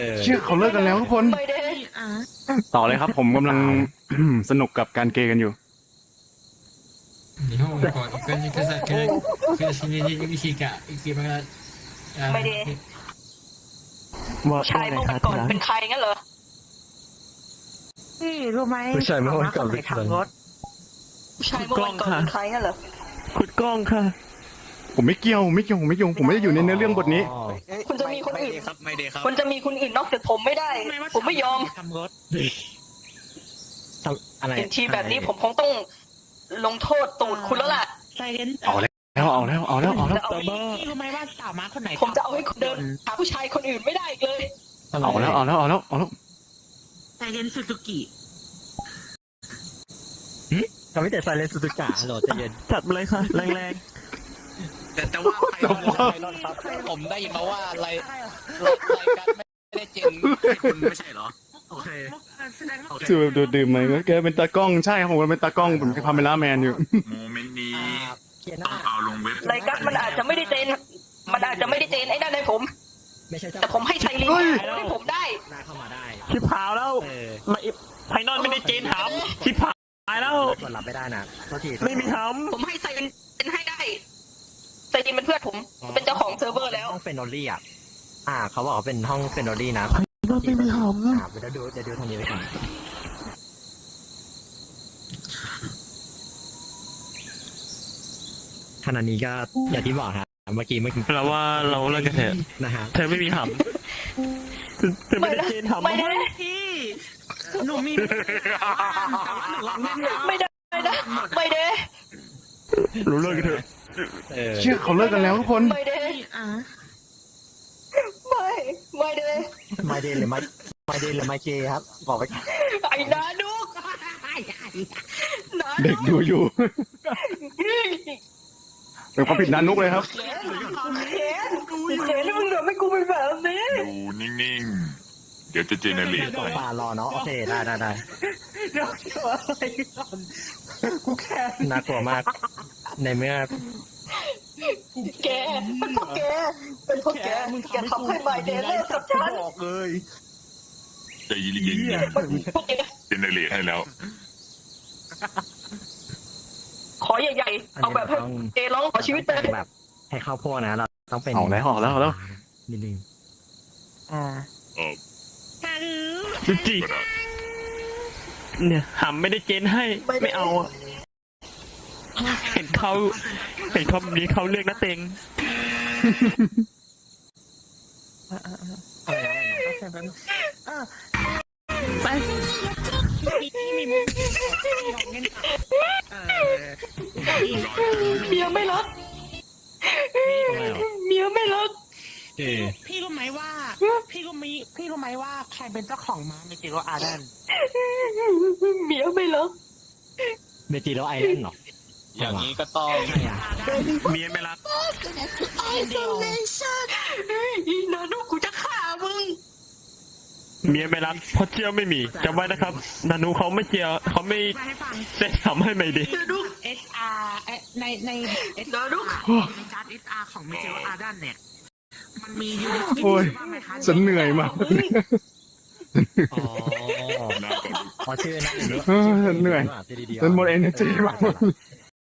เชื่อเขาเลิกกันแล้วทุกคนไม่ได้ต่อเลยครับ ผมกำลัง สนุกกับการเกย์กันอยู่日本語は国にくさく苦しみに生きが生きまがไม่ได้ชายเมื่อวันก่อนเป็นใครงั้นเหรอนี่รู้ไหมผู้ชายเมื่อวันก่อนเป็นใครขับรถชายเมื่อวันก่อนเป็นใครงั้นเหรอขุดกล้องค่ะผมไม่เกี่ยวผมไม่ได้อยู่ในเนื้อเรื่องบทนี้คุณจะมีคนอื่นครับไม่ดีครับคุณจะมีคนอื่นนอกจากผมไม่ได้ ผมไม่ยอมทำรถอะไรเห็นทีแบบนี้ผมคงต้องลงโทษตูดคุณแล้วล่ะไซเรนเอาแล้วจะเอาพี่รู้ไหมว่าสาวม้าคนไหนผมจะเอาให้คุณเดินหาผู้ชายคนอื่นไม่ได้อีกเลยเอาแล้วไซเรนซูซูกิทำให้แต่ไซเลนสุดกะโหลดใจเย็นจัดมาเลยค่ะแรงแต่ว่าไพลอนครับผมได้ยินมาว่าอะไรรายการไม่ได้เจนคุณไม่ใช่เหรอโอเคๆแสดงว่าชื่อแบบดื่มไหมก็แกเป็นตากล้องใช่ครับผมเป็นตากล้องผมเป็นคาเมล่าแมนอยู่โมเมนต์นี้เขียนหต้น้าองเอาลงเว็บรายการมันอาจจะไม่ได้เจนไอ้นั่นให้ผมไม่ใช่เจ้าแต่ผมให้ไซรินให้ผมได้นายเข้ามาได้ชิบหายแล้ว มาไพนอนไม่ได้เจนถามชิบหายแล้วกดรับไม่ได้นะโทษทีไม่มีทผมให้ไซรินเป็นให้ได้ไซรินเป็นเพื่อนผมเป็นเจ้าของเซิร์ฟเวอร์แล้วห้องเฟนโนลี่อ่ะเขาบอกว่าเป็นห้องเฟนโนลี่นะำไม่มีทเดี๋ยวดูทางนี้ไปก่อนขณะนี้ก็อย่างที่บอกฮะเมื่อกี้ำเราว่าเราเลิกกันเถอะนะฮะเธอไม่มีทำเธอไม่ได้เจนถามไม่ได้พี่หนูมีไม่ได้ไม่ได้รู้เลิกกันเถอะเชื่อเขาเลิกกันแล้วทุกคนไม่ได้ไม่ได้ไม่เดนหรือไม่เจครับบอกไปไอ้นาดุกนาเด็กดูอยู่ เป็นความผิดนานุกเลยครับแขนมึงเหลือไม่กูเป็นแบบนี้ดูนิ่งๆ เดี๋ยวจะเจเนเรตตกปลารอเนาะโอเคได้กูแค่น่ากลัวมาก ในเมื่อแกเป็นพวกแกอย่าทำให้ไมเดนเล่นกับฉันบอกเลยใจเย็นพวกแกๆเจเนเรตให้แล้วขอใหญ่ๆเอาแบบให้เจร้องขอชีวิตไปแบบให้เข้าพวกนะเราต้องเป็นเอาแล้วนิดนึงจริงเนี่ยหำไม่ได้เจนให้ไม่เอาอะเห็นเขาแบบนี้เขาเลือกนะเต็งไปเมียไม่รักเมียไม่รักพี่รู้ไหมว่าใครเป็นเจ้าของม้าเมจิโรอาร์เดนเมียไม่รักเมจิโรไอแลนด์หรออย่างนี้ก็ต้องใช่อ่ะเมียไม่รักอีนานุกูจะฆ่ามึงเมียไม่รักเพราะเจียวไม่มีจำไว้นะครับนานูเขาไม่เจียวเขาไม่ได้ทำให้ไม่ดีนานุ SR ในนานุในการ SR ของ m e t e o a r d a n เนี่ย มันมียูนิตโอ้ยบ้างไหมคะฉันเหนื่อยมากอ๋อชื่อนะฉันเหนื่อยฉันหมด energy มาก